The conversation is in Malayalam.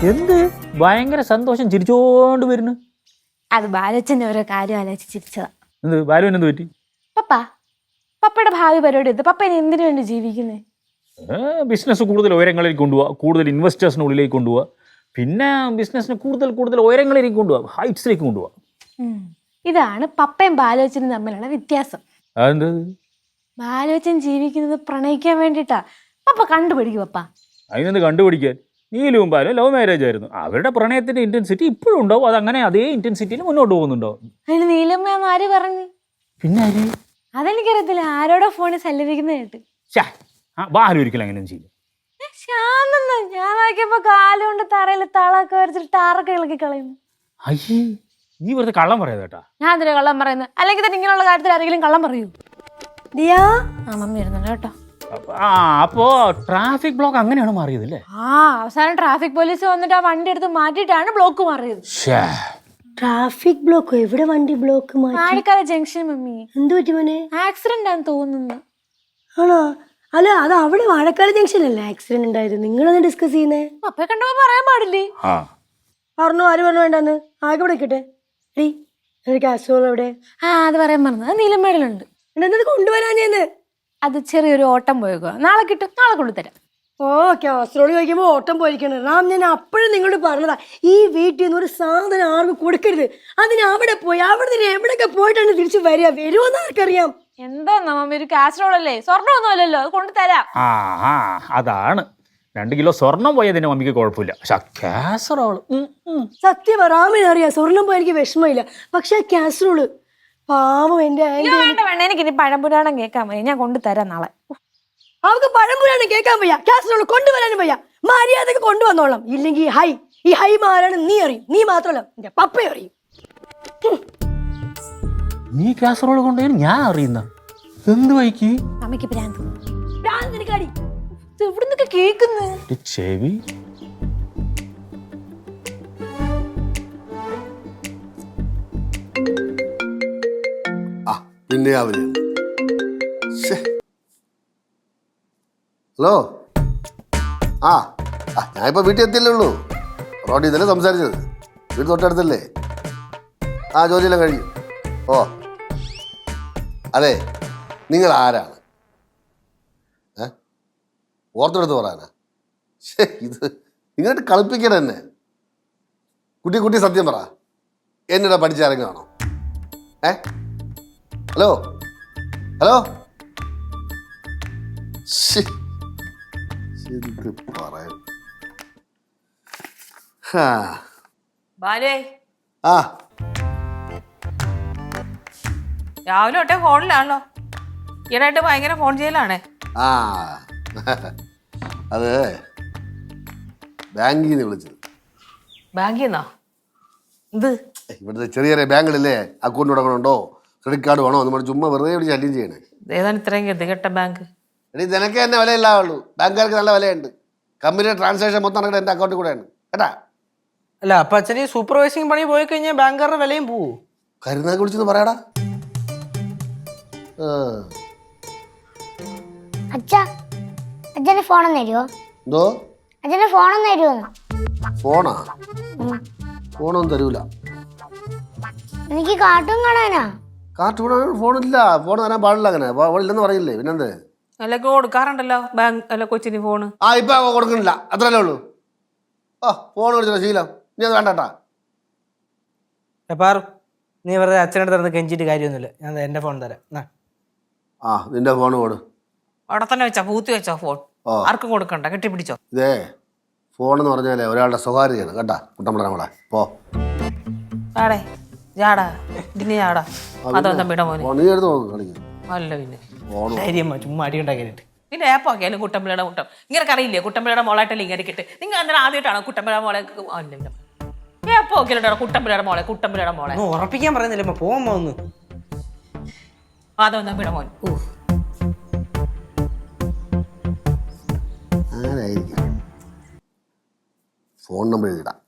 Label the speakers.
Speaker 1: എന്ത് ഭയങ്കര സന്തോഷം ചിരിച്ചോണ്ട് വരുന്നു.
Speaker 2: അത് ബാലച്ചന്റെ ഓരോ കാര്യം ആലോചിച്ച് ചിരിച്ചതാ.
Speaker 1: എന്ത് ബാലുവിന് എന്ത് പറ്റി?
Speaker 2: പപ്പയുടെ ഭാവി പരിപാടി എടുത്ത് പപ്പ ഇനി എന്തിനു വേണ്ടി ജീവിക്കുന്നേ?
Speaker 1: ബിസിനസ് കൂടുതൽ ഉയരങ്ങളിലേക്ക് കൊണ്ടുപോവുക, കൂടുതൽ ഇൻവെസ്റ്റേഴ്സിനുള്ളിലേക്ക് കൊണ്ടുപോവുക, പിന്നെ ബിസിനസ്സിന് കൂടുതൽ ഉയരങ്ങളിലേക്ക് കൊണ്ടുപോവുക, ഹൈറ്റ്സിലേക്ക് കൊണ്ടുപോവുക.
Speaker 2: ഇതാണ് പപ്പയും ബാലോച്ചനും തമ്മിലുള്ള വ്യത്യാസം.
Speaker 1: അതെന്ത്?
Speaker 2: ബാലോച്ചൻ ജീവിക്കുന്നത് പ്രണയിക്കാൻ വേണ്ടിട്ടാ. പപ്പ കണ്ടുപിടിക്കും. പപ്പ
Speaker 1: അതിനെന്ത് കണ്ടുപിടിക്കാൻ? നീലും ബാലും ലവ് മാരേജ് ആയിരുന്നു. അവരുടെ പ്രണയത്തിന്റെ ഇന്റൻസിറ്റി ഇപ്പോഴും ഉണ്ടാവും. അതങ്ങനെ അതേ ഇന്റൻസിറ്റിയിൽ മുന്നോട്ട് പോകുന്നുണ്ടാവും.
Speaker 2: അതിന് നീലമ്മ ആര് പറഞ്ഞു?
Speaker 1: പിന്നെ ആര്?
Speaker 2: അതെനിക്കറിയത്തില്ല. ആരോടോ ഫോണിൽ സല്ലപിക്കുന്ന കേട്ട്.
Speaker 1: ബാലു ഒരിക്കലും അങ്ങനെ ചെയ്യും.
Speaker 2: ശാന്തെന്ന് ഞാൻ നോക്കിയപ്പോ കാലുകൊണ്ട് തറയിൽ തളൊക്കെ വരച്ചിട്ട് ടാറൊക്കെ ഇളക്കി കളയുന്നു.
Speaker 1: അയ്യേ, നീ വെറുതെ കള്ളം പറയാതെ കേട്ടാ.
Speaker 2: ഞാൻ എന്തിനാ കള്ളം പറയുന്നത്? അല്ലെങ്കിൽ തന്നെ ഇങ്ങനെയുള്ള കാര്യത്തിൽ ആരെങ്കിലും കള്ളം പറയൂ? ദിയാ മമ്മി ഇരുന്നുണ്ട് കേട്ടോ.
Speaker 1: അപ്പോ ട്രാഫിക് ബ്ലോക്ക് അങ്ങനെയാണ് മാറിയത് അല്ലേ?
Speaker 2: അവസാനം ട്രാഫിക് പോലീസ് വന്നിട്ട് ആ വണ്ടി എടുത്ത് മാറ്റിയിട്ടാണ് ബ്ലോക്ക് മാറിയത്.
Speaker 3: ട്രാഫിക് ബ്ലോക്കോ? എവിടെ വണ്ടി ബ്ലോക്ക്?
Speaker 2: മാണിക്കാല junction mummy.
Speaker 3: എന്ത് പറ്റി മോനെ?
Speaker 2: ആക്സിഡന്റ് ആണെന്ന് തോന്നുന്നു.
Speaker 3: ആണോ? അല്ല, അത് അവിടെ വാഴക്കാട് ജംഗ്ഷൻ അല്ലേ ആക്സിഡന്റ് ഉണ്ടായത്? നിങ്ങളൊന്ന് ഡിസ്കസ് ചെയ്യുന്നേ.
Speaker 2: പപ്പയെ കണ്ടപ്പോ പറയാൻ പാടില്ലേ?
Speaker 3: പറഞ്ഞു. ആര് പറഞ്ഞു വേണ്ടെന്ന്? ആകെ വിളിക്കട്ടെ. കാസറോൾ എവിടെ?
Speaker 2: അത് പറയാൻ പറഞ്ഞത്. അത് നീലമേടലുണ്ട്.
Speaker 3: എന്നത് കൊണ്ടുവരാൻ ചെയ്യുന്നത്.
Speaker 2: അത് ചെറിയൊരു ഓട്ടം പോയേക്കുക. നാളെ കിട്ടും. നാളെ കൊണ്ടുതരാം.
Speaker 3: കാസറോള് ചോദിക്കുമ്പോൾ ഓട്ടം പോയിരിക്കണം. റാം, ഞാൻ അപ്പോഴും നിങ്ങളോട് പറഞ്ഞതാ, ഈ വീട്ടിൽ നിന്ന് ഒരു സാധനം ആർക്കും കൊടുക്കരുത്. അതിന് അവിടെ പോയി അവിടെ നിന്ന് എവിടെയൊക്കെ പോയിട്ടാണ് തിരിച്ചു വരുമെന്ന് ആർക്കറിയാം.
Speaker 2: എന്താ മമ്മി, ഒരു കാസറോൾ അല്ലേ? സ്വർണ്ണമൊന്നും അല്ലല്ലോ. അത് കൊണ്ടുതരാം.
Speaker 1: അതാണ് 2 കിലോ സ്വർണം പോയതിന് മമ്മിക്ക് കുഴപ്പമില്ല. പക്ഷെ കാസറോള്
Speaker 3: സത്യം റാമിന് അറിയാം. സ്വർണം പോയി എനിക്ക് വിഷമമില്ല. പക്ഷെ കാസറോള് പാവം എന്റെ
Speaker 2: വേണ്ട. എനിക്ക് ഇനി പഴംപുരാണം കേൾക്കാൻ വയ്യ. ഞാൻ കൊണ്ടുതരാം നാളെ.
Speaker 3: അവർക്ക് പഴംപുരാണം കേൾക്കാൻ വയ്യ, കാസറോള് കൊണ്ടുവരാനും വയ്യ. മര്യാദക്ക് കൊണ്ടുവന്നോളാം. ഇല്ലെങ്കിൽ ഈ ഹൈ മാരാണ് നീ അറിയും. നീ മാത്രമല്ല, എന്റെ പപ്പയും അറിയും.
Speaker 1: നീ കാസറോള് കൊണ്ടുപോയി ഞാൻ അറിയുന്ന എന്ത് വൈക്ക്?
Speaker 2: അമ്മയ്ക്ക് ഭ്രാന്ത്.
Speaker 3: എവിടുന്നൊക്കെ കേക്കുന്നു
Speaker 1: ചെവി.
Speaker 4: പിന്നെ ഹലോ. ഞാനിപ്പോൾ വീട്ടിൽ എത്തിയല്ലേ ഉള്ളൂ. റോഡിൽ ഇതല്ലേ സംസാരിച്ചത്. വീട് തൊട്ടടുത്തല്ലേ? ജോലിയെല്ലാം കഴിഞ്ഞു. അതെ, നിങ്ങൾ ആരാണ്? ഓർത്തെടുത്ത് പറയാനാ? ഇത് നിങ്ങോട്ട് കളിപ്പിക്കണം എന്നെ. കുട്ടി സത്യം പറ. എന്നിടെ പഠിച്ചിറങ്ങുകയാണോ? ഹലോ പറയാൻ
Speaker 5: രാവിലെ തൊട്ടേ ഫോണിലാണല്ലോ. ഈയിടെയായിട്ട് ഭയങ്കര ഫോൺ ചെയ്യലാണേ.
Speaker 4: അത് ബാങ്കിൽ നിന്ന് വിളിച്ചത്.
Speaker 5: ബാങ്കിൽ നിന്നോ? ഇത്
Speaker 4: ഇവിടുത്തെ ചെറിയ ബാങ്കുകളില്ലേ, അക്കൗണ്ട് തുടങ്ങണുണ്ടോ, ക്രെഡിറ്റ് കാർഡ് വേണോ എന്ന് ചുമ്മാ വെറുതെ ഇവിടെ ശല്യം ചെയ്യണേ.
Speaker 5: ഏതാണ് ഇത്രയും ഗതികെട്ട ബാങ്ക്?
Speaker 4: നിനക്ക് തന്നെ വിലയില്ലാവുള്ളൂ. ബാങ്കുകാർക്ക് നല്ല വിലയുണ്ട്. കമ്പനിയുടെ ട്രാൻസാക്ഷൻ മൊത്തം നടക്കുന്നത് എൻ്റെ അക്കൗണ്ടിൽ കൂടെയാണ് കേട്ടാ.
Speaker 6: അല്ല, അപ്പൊ അച്ഛന് സൂപ്പർവൈസിങ് പണി പോയി കഴിഞ്ഞാൽ ബാങ്കുകാരുടെ വിലയും പോവും.
Speaker 4: കരുനാക്ക് വിളിച്ചെന്ന് പറയാടാ.
Speaker 7: അച്ഛന് ഫോണൊന്നും തരുമോ?
Speaker 4: എന്തോ?
Speaker 7: അച്ഛന് ഫോണൊന്നും തരുമോ?
Speaker 4: ഫോണൊന്നും തരൂല.
Speaker 7: എനിക്ക് കാർട്ടൂൺ കാണാനാ.
Speaker 4: കാർട്ടൂൺ ഫോണില്ല. ഫോൺ തരാൻ പാടില്ല. അങ്ങനെ ഇല്ലെന്ന് പറയില്ലേ? പിന്നെന്ത്?
Speaker 5: അല്ലൊക്കെ കൊടുക്കാറുണ്ടല്ലോ ബാങ്ക് അല്ല കൊച്ചിന് ഫോണ്.
Speaker 4: ഇപ്പൊ കൊടുക്കണില്ല. അത്രല്ലേ ഉള്ളൂ. ഫോൺ വിളിച്ചോ ശീലം. നീ അത് വേണ്ടട്ടാ.
Speaker 6: പാറു, നീ വെറുതെ അച്ഛനടുത്ത് നടന്ന് കെഞ്ചിട്ട് കാര്യമൊന്നുമില്ല. ഞാൻ എന്റെ ഫോൺ തരാം.
Speaker 4: നിന്റെ ഫോൺ കൊടു.
Speaker 5: അവിടെ തന്നെ വെച്ചോ, പൂത്തി വെച്ചോ ഫോൺ. ആർക്കും കൊടുക്കണ്ട, കെട്ടിപ്പിടിച്ചോ.
Speaker 4: ഇതേ ഫോൺ എന്ന് പറഞ്ഞാലേ ഒരാളുടെ സ്വകാര്യതയാണ് കേട്ടാ. കുട്ടമ്പള നമ്മളെ
Speaker 5: ആടേ ജാടാ ഇതിന് ജാടാ. അതൊന്നും വിട മോനെ.
Speaker 4: നീ എടുത്ത് നോക്ക് കളിക്കും.
Speaker 5: അല്ല പിന്നെ
Speaker 6: ചുമ്മാ അടി ഉണ്ടാക്കിയിട്ട്
Speaker 5: പിന്നെ ഏപ്പാക്കിയാലും കുട്ടമ്പിളയുടെ മുട്ടം ഇങ്ങനെ അറിയില്ലേ? കുട്ടമ്പിളയുടെ മോളായിട്ടല്ലേ ഇങ്ങനെ കിട്ട്. നിങ്ങൾ അന്നേരം ആദ്യമായിട്ടാണോ കുട്ടമ്പിളയുടെ മോളെ? ഏപ്പോക്കിയാലോ കുട്ടമ്പിളയുടെ മോളെ
Speaker 6: ഉറപ്പിക്കാൻ പറയുന്നില്ല. പോകുമ്പോ ഒന്ന്
Speaker 5: അതൊന്നും വിട മോൻ.
Speaker 4: ആരായിരിക്കും? Phone number എഴുതിടാം.